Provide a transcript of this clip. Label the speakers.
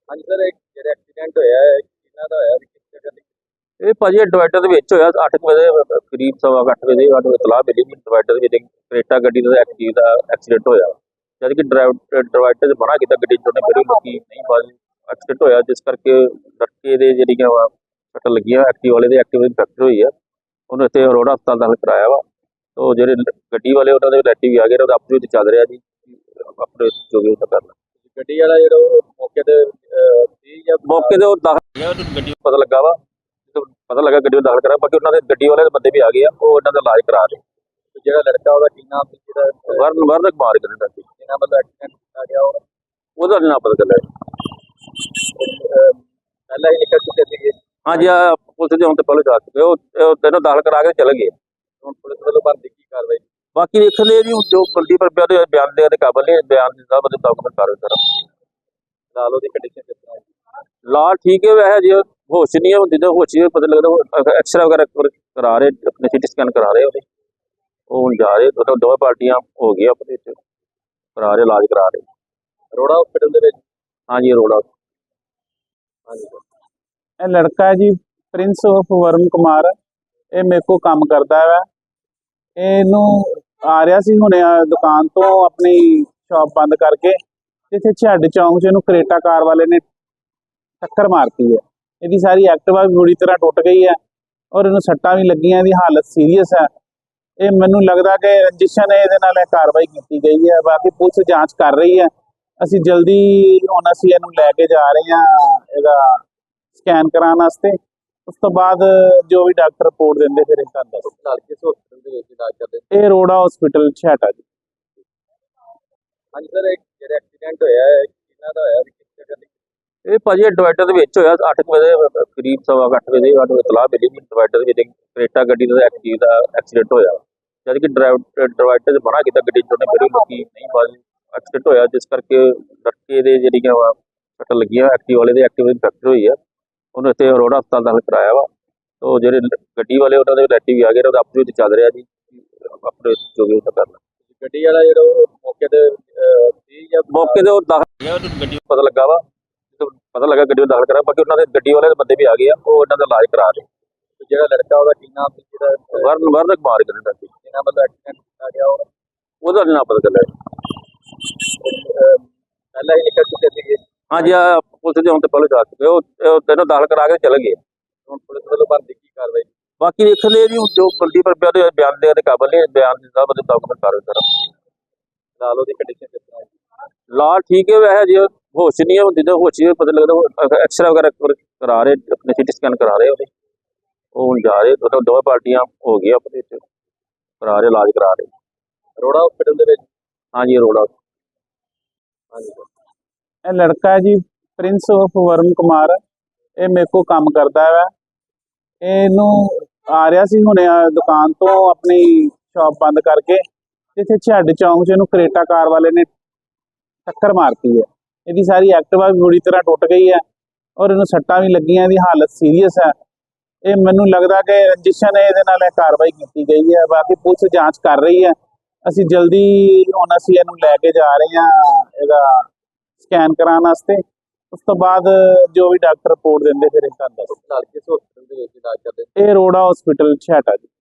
Speaker 1: ਹਾਂਜੀ ਸਰ, ਇੱਕ ਜਿਹੜਾ ਐਕਸੀਡੈਂਟ ਹੋਇਆ ਹੈ ਕਿਹਨਾਂ ਦਾ ਹੋਇਆ ਤੇ ਕਿਸ ਜਗ੍ਹਾ ਤੇ?
Speaker 2: ਇਹ ਭਾਜੀ ਡਿਵਾਈਡਰ ਦੇ ਵਿੱਚ ਹੋਇਆ 8 ਵਜੇ ਕਰੀਬ 8:15 ਵਜੇ ਸਾਨੂੰ ਇਤਲਾਹ ਮਿਲੀ ਕਿ ਡਿਵਾਈਡਰ ਦੇ ਵਿੱਚ ਕਰੇਟਾ ਗੱਡੀ ਦਾ ਐਕਟਿਵ ਦਾ ਐਕਸੀਡੈਂਟ ਹੋਇਆ। ਜਦ ਕਿ ਡਿਵਾਈਡਰ 'ਚ ਮਨਾ ਕੀਤਾ ਗੱਡੀ ਚੋਣੇ ਮੇਰੇ ਲੋਕੀ ਨਹੀਂ ਬਾਜੀ ਐਕਸੀਡੈਂਟ ਹੋਇਆ, ਜਿਸ ਕਰਕੇ ਲੜਕੇ ਦੇ ਜਿਹੜੀਆਂ ਵਾ ਸੱਟ ਲੱਗੀਆਂ ਐਕਟਿਵ ਵਾਲੇ ਦੇ ਐਕਟਿਵ ਫ੍ਰੈਕਚਰ ਹੋਈ ਆ। ਉਹਨੂੰ ਇੱਥੇ ਅਰੋੜਾ ਹਸਪਤਾਲ ਦਾਖਲ ਕਰਾਇਆ ਵਾ। ਤੋ ਜਿਹੜੇ ਗੱਡੀ ਵਾਲੇ ਉਹਨਾਂ ਦੇ ਰਿਲੇਟਿਵ ਆ ਗਏ, ਉਹਦਾ ਆਪਸ ਵਿੱਚ ਚੱਲ ਰਿਹਾ ਜੀ, ਆਪਣੇ ਜੋ ਵੀ ਉਹਦਾ ਕਰਨਾ।
Speaker 1: ਗੱਡੀ ਵਾਲਾ ਜਿਹੜਾ ਉਹ ਮੌਕੇ ਤੇ ਸੀ ਜਾਂ
Speaker 2: ਮੌਕੇ ਤੇ ਉਹ ਦਾਖਲ ਹੋ ਗਿਆ, ਉਹਨੂੰ ਗੱਡੀ ਨੂੰ ਪਤਾ ਲੱਗਾ ਵਾ, ਪਤਾ ਲੱਗਾ ਗੱਡੀ ਨੂੰ ਦਾਖਲ ਕਰਾ। ਬਾਕੀ ਉਹਨਾਂ ਦੇ ਗੱਡੀ ਵਾਲੇ ਦੇ ਬੰਦੇ ਵੀ ਆ ਗਏ ਆ, ਉਹ ਇਹਨਾਂ ਦਾ ਇਲਾਜ ਕਰਾ ਰਹੇ।
Speaker 1: ਤੇ ਜਿਹੜਾ ਲੜਕਾ ਉਹਦਾ ਕੀ ਨਾਮ ਸੀ ਜਿਹੜਾ
Speaker 2: ਵਰਨ ਕੁਮਾਰ ਕਹਿੰਦੇ ਸੀ,
Speaker 1: ਜਿਹਨਾਂ ਵੱਲੋਂ ਐਕਸੀਡੈਂਟ ਕੀਤਾ ਗਿਆ
Speaker 2: ਉਹਦਾ ਨੀ ਨਾਂ ਪਤਾ ਚੱਲਿਆ।
Speaker 1: ਪਹਿਲਾਂ ਹੀ ਨਿਕਲ ਚੁੱਕੇ ਸੀਗੇ।
Speaker 2: ਹਾਂਜੀ ਆ ਪੁਲਿਸ ਦੇ ਹੁਣ ਤੇ ਪਹਿਲੇ ਜਾ ਚੁੱਕੇ, ਉਹ ਤੈਨੂੰ ਦਾਖਲ ਕਰਾ ਕੇ ਚਲੇ ਗਏ।
Speaker 1: ਹੁਣ ਪੁਲਿਸ ਵੱਲੋਂ ਬਣਦੀ ਕੀ ਕਾਰਵਾਈ?
Speaker 2: ਬਾਕੀ ਵੇਖਣ ਦੇ ਜੀ ਜੋ ਬੰਦੀ ਪਰ ਦੇ ਬਿਆਨ ਦੇ ਕਾਬਲ ਨੇ, ਬਿਆਨ ਦੇ ਸਾਹਿਬ ਦੇ ਡਾਕੂਮੈਂਟ ਕਰ ਸਰ।
Speaker 1: ਨਾਲ ਉਹਦੀ ਕੰਡੀਸ਼ਨ ਕਿਸ ਤਰ੍ਹਾਂ ਹੈ?
Speaker 2: ਲਾਲ ਠੀਕ ਹੈ, ਵੈਸੇ ਜੇ ਹੋਸ਼ ਨਹੀਂ ਹੈ ਹੁੰਦੀ ਤਾਂ ਹੋਸ਼ ਹੀ ਪਤਾ ਲੱਗਦਾ। ਐਕਸਰਾ ਵਗੈਰਹ ਕਰਾ ਰਹੇ, ਆਪਣੇ ਸਿਟੀ ਸਕੈਨ ਕਰਾ ਰਹੇ ਉਹਦੇ, ਉਹ ਹੁਣ ਜਾ ਰਹੇ। ਦੋਵੇਂ ਪਾਰਟੀਆਂ ਹੋ ਗਈਆਂ ਆਪਣੇ ਇੱਥੇ ਕਰਾ ਰਹੇ, ਇਲਾਜ ਕਰਾ ਰਹੇ।
Speaker 1: ਅਰੋੜਾ ਹਸਪੀਟਲ ਦੇ ਵਿੱਚ?
Speaker 2: ਹਾਂਜੀ ਅਰੋੜਾ।
Speaker 1: ਹਾਂਜੀ
Speaker 3: ਇਹ ਲੜਕਾ ਹੈ ਜੀ ਪ੍ਰਿੰਸ ਆਫ ਵਰਨ ਕੁਮਾਰ। ਇਹ ਮੇਰੇ ਕੋਲ ਕੰਮ ਕਰਦਾ ਵਾ। ਇਹਨੂੰ ਆ ਰਿਹਾ ਸੀ ਹੁਣੇ ਦੁਕਾਨ ਤੋਂ ਆਪਣੀ ਸ਼ਾਪ ਬੰਦ ਕਰਕੇ, ਇੱਥੇ ਛੱਡ ਚੌਂਕ 'ਚ ਇਹਨੂੰ ਕਰੇਟਾ ਕਾਰ ਵਾਲੇ ਨੇ ਟੱਕਰ ਮਾਰਤੀ ਹੈ। ਇਹਦੀ ਸਾਰੀ ਐਕਟਿਵਾ ਵੀ ਬੁਰੀ ਤਰ੍ਹਾਂ ਟੁੱਟ ਗਈ ਹੈ ਔਰ ਇਹਨੂੰ ਸੱਟਾਂ ਵੀ ਲੱਗੀਆਂ। ਇਹਦੀ ਹਾਲਤ ਸੀਰੀਅਸ ਹੈ। ਇਹ ਮੈਨੂੰ ਲੱਗਦਾ ਕਿ ਰੰਜਿਸ਼ ਨੇ ਇਹਦੇ ਨਾਲ ਇਹ ਕਾਰਵਾਈ ਕੀਤੀ ਗਈ ਹੈ। ਬਾਕੀ ਪੁਲਿਸ ਜਾਂਚ ਕਰ ਰਹੀ ਹੈ। ਅਸੀਂ ਜਲਦੀ ਹੁਣ ਅਸੀਂ ਇਹਨੂੰ ਲੈ ਕੇ ਜਾ ਰਹੇ ਹਾਂ ਇਹਦਾ ਸਕੈਨ ਕਰਾਉਣ ਵਾਸਤੇ। ਉਸ ਤੋਂ ਬਾਅਦ ਜੋ ਵੀ ਡਾਕਟਰ ਰਿਪੋਰਟ ਦਿੰਦੇ ਫਿਰ ਇਹ ਤੁਹਾਨੂੰ ਦੱਸ।
Speaker 1: ਨਾਲ ਕਿਸ ਹਸਪੀਟਲ ਦੇ ਵਿੱਚ ਇਲਾਜ ਕਰਦੇ?
Speaker 3: ਇਹ ਰੋੜਾ ਹਸਪੀਟਲ ਛਾਟਾ ਜੀ।
Speaker 1: ਹਾਂਜੀ ਸਰ, ਇੱਕ ਜਿਹੜਾ ਐਕਸੀਡੈਂਟ ਹੋਇਆ ਹੈ ਕਿਹਨਾਂ ਦਾ ਹੋਇਆ ਤੇ ਕਿਸ ਜਗ੍ਹਾ ਤੇ?
Speaker 2: ਇਹ ਭਾਜੀ ਡਿਵਾਈਡਰ ਦੇ ਵਿੱਚ ਹੋਇਆ 8 ਵਜੇ ਕਰੀਬ 8:15 ਵਜੇ ਸਾਨੂੰ ਇਤਲਾਹ ਮਿਲੀ ਕਿ ਡਿਵਾਈਡਰ ਦੇ ਵਿੱਚ ਕਰੇਟਾ ਗੱਡੀ ਦਾ ਐਕਟਿਵ ਦਾ ਐਕਸੀਡੈਂਟ ਹੋਇਆ। ਜਦ ਕਿ ਡਿਵਾਈਡਰ 'ਚ ਮਨਾ ਕੀਤਾ ਗੱਡੀ ਚੋਣੇ ਮੇਰੇ ਲੋਕੀ ਨਹੀਂ ਬਾਜੀ ਐਕਸੀਡੈਂਟ ਹੋਇਆ, ਜਿਸ ਕਰਕੇ ਲੜਕੇ ਦੇ ਜਿਹੜੀਆਂ ਵਾ ਸੱਟ ਲੱਗੀਆਂ ਐਕਟਿਵ ਵਾਲੇ ਦੇ ਐਕਟਿਵ ਫ੍ਰੈਕਚਰ ਹੋਈ ਆ। ਉਹਨੂੰ ਇੱਥੇ ਅਰੋੜਾ ਹਸਪਤਾਲ ਦਾਖਲ ਕਰਾਇਆ ਵਾ। ਤੋ ਜਿਹੜੇ ਗੱਡੀ ਵਾਲੇ ਉਹਨਾਂ ਦੇ ਰਿਲੇਟਿਵ ਵੀ ਆ ਗਏ, ਉਹਦਾ ਆਪਸ ਵਿੱਚ ਚੱਲ ਰਿਹਾ ਜੀ, ਆਪਣੇ ਜੋ ਵੀ ਉਹਦਾ ਕਰਨਾ।
Speaker 1: ਗੱਡੀ ਵਾਲਾ ਜਿਹੜਾ ਉਹ ਮੌਕੇ ਤੇ ਸੀ ਜਾਂ
Speaker 2: ਮੌਕੇ ਤੇ ਉਹ ਦਾਖਲ ਹੋ ਗਿਆ, ਉਹਨੂੰ ਗੱਡੀ ਨੂੰ ਪਤਾ ਲੱਗਾ ਵਾ, ਪਤਾ ਲੱਗਾ ਗੱਡੀ ਨੂੰ ਦਾਖਲ ਕਰਾ। ਬਾਕੀ ਉਹਨਾਂ ਦੇ ਗੱਡੀ ਵਾਲੇ ਦੇ ਬੰਦੇ ਵੀ ਆ ਗਏ ਆ, ਉਹ ਇਹਨਾਂ ਦਾ ਇਲਾਜ ਕਰਾ ਰਹੇ।
Speaker 1: ਤੇ ਜਿਹੜਾ ਲੜਕਾ ਉਹਦਾ ਕੀ ਨਾਮ ਸੀ ਜਿਹੜਾ
Speaker 2: ਵਰਨ ਕੁਮਾਰ ਕਹਿੰਦੇ ਸੀ,
Speaker 1: ਜਿਹਨਾਂ ਵੱਲੋਂ ਐਕਸੀਡੈਂਟ ਕੀਤਾ ਗਿਆ
Speaker 2: ਉਹਦਾ ਨੀ ਨਾਂ ਪਤਾ ਚੱਲਿਆ।
Speaker 1: ਪਹਿਲਾਂ ਹੀ ਨਿਕਲ ਚੁੱਕੇ ਸੀਗੇ।
Speaker 2: ਹਾਂਜੀ ਆ ਪੁਲਿਸ ਦੇ ਹੁਣ ਤੇ ਪਹਿਲੇ ਜਾ ਚੁੱਕੇ, ਉਹ ਤੈਨੂੰ ਦਾਖਲ ਕਰਾ ਕੇ ਚਲੇ ਗਏ।
Speaker 1: ਹੁਣ ਪੁਲਿਸ ਵੱਲੋਂ ਬਣਦੀ ਕੀ ਕਾਰਵਾਈ?
Speaker 2: ਬਾਕੀ ਵੇਖਣ ਦੇ ਜੀ ਜੋ ਬੰਦੀ ਪਰ ਦੇ ਬਿਆਨ ਦੇ ਕਾਬਲ ਨੇ, ਬਿਆਨ ਦੇ ਸਾਹਿਬ ਦੇ ਡਾਕੂਮੈਂਟ ਕਰ ਸਰ।
Speaker 1: ਨਾਲ ਉਹਦੀ ਕੰਡੀਸ਼ਨ ਕਿਸ ਤਰ੍ਹਾਂ ਹੈ?
Speaker 2: ਲਾਲ ਠੀਕ ਹੈ, ਵੈਸੇ ਜੇ ਹੋਸ਼ ਨਹੀਂ ਹੁੰਦੀ ਤਾਂ ਹੋਸ਼ ਹੀ ਪਤਾ ਲੱਗਦਾ। ਐਕਸਰਾ ਵਗੈਰਹ ਕਰਾ ਰਹੇ, ਆਪਣੇ ਸਿਟੀ ਸਕੈਨ ਕਰਾ ਰਹੇ ਉਹਦੇ, ਉਹ ਹੁਣ ਜਾ ਰਹੇ। ਦੋਵੇਂ ਪਾਰਟੀਆਂ ਹੋ ਗਈਆਂ ਆਪਣੇ ਇੱਥੇ ਕਰਾ ਰਹੇ, ਇਲਾਜ ਕਰਾ ਰਹੇ।
Speaker 1: ਅਰੋੜਾ ਹਸਪੀਟਲ ਦੇ ਵਿੱਚ?
Speaker 2: ਹਾਂਜੀ ਅਰੋੜਾ।
Speaker 1: ਹਾਂਜੀ
Speaker 3: ਇਹ ਲੜਕਾ ਹੈ ਜੀ ਪ੍ਰਿੰਸ ਆਫ ਵਰਨ ਕੁਮਾਰ। ਇਹ ਮੇਰੇ ਕੋਲ ਕੰਮ ਕਰਦਾ ਵਾ। ਇਹਨੂੰ ਆ ਰਿਹਾ ਸੀ ਹੁਣੇ ਦੁਕਾਨ ਤੋਂ ਆਪਣੀ ਸ਼ਾਪ ਬੰਦ ਕਰਕੇ, ਇੱਥੇ ਛੱਡ ਚੌਂਕ 'ਚ ਇਹਨੂੰ ਕਰੇਟਾ ਕਾਰ ਵਾਲੇ ਨੇ ਟੱਕਰ ਮਾਰਤੀ ਹੈ। ਇਹਦੀ ਸਾਰੀ ਐਕਟਿਵਾ ਵੀ ਬੁਰੀ ਤਰ੍ਹਾਂ ਟੁੱਟ ਗਈ ਹੈ ਔਰ ਇਹਨੂੰ ਸੱਟਾਂ ਵੀ ਲੱਗੀਆਂ। ਇਹਦੀ ਹਾਲਤ ਸੀਰੀਅਸ ਹੈ। ਇਹ ਮੈਨੂੰ ਲੱਗਦਾ ਕਿ ਰੰਜਿਸ਼ ਨੇ ਇਹਦੇ ਨਾਲ ਇਹ ਕਾਰਵਾਈ ਕੀਤੀ ਗਈ ਹੈ। ਬਾਕੀ ਪੁਲਿਸ ਜਾਂਚ ਕਰ ਰਹੀ ਹੈ। ਅਸੀਂ ਜਲਦੀ ਹੁਣ ਅਸੀਂ ਇਹਨੂੰ ਲੈ ਕੇ ਜਾ ਰਹੇ ਹਾਂ ਇਹਦਾ ਸਕੈਨ ਕਰਾਉਣ ਵਾਸਤੇ। ਉਸ ਤੋਂ ਬਾਅਦ ਜੋ ਵੀ ਡਾਕਟਰ ਰਿਪੋਰਟ ਦਿੰਦੇ ਫਿਰ ਇਹ ਤੁਹਾਨੂੰ ਦੱਸ।
Speaker 1: ਨਾਲ ਕਿਸ ਹਸਪੀਟਲ ਦੇ ਵਿੱਚ ਇਲਾਜ ਕਰਦੇ?
Speaker 3: ਇਹ ਰੋੜਾ ਹਸਪੀਟਲ ਛਾਟਾ ਜੀ।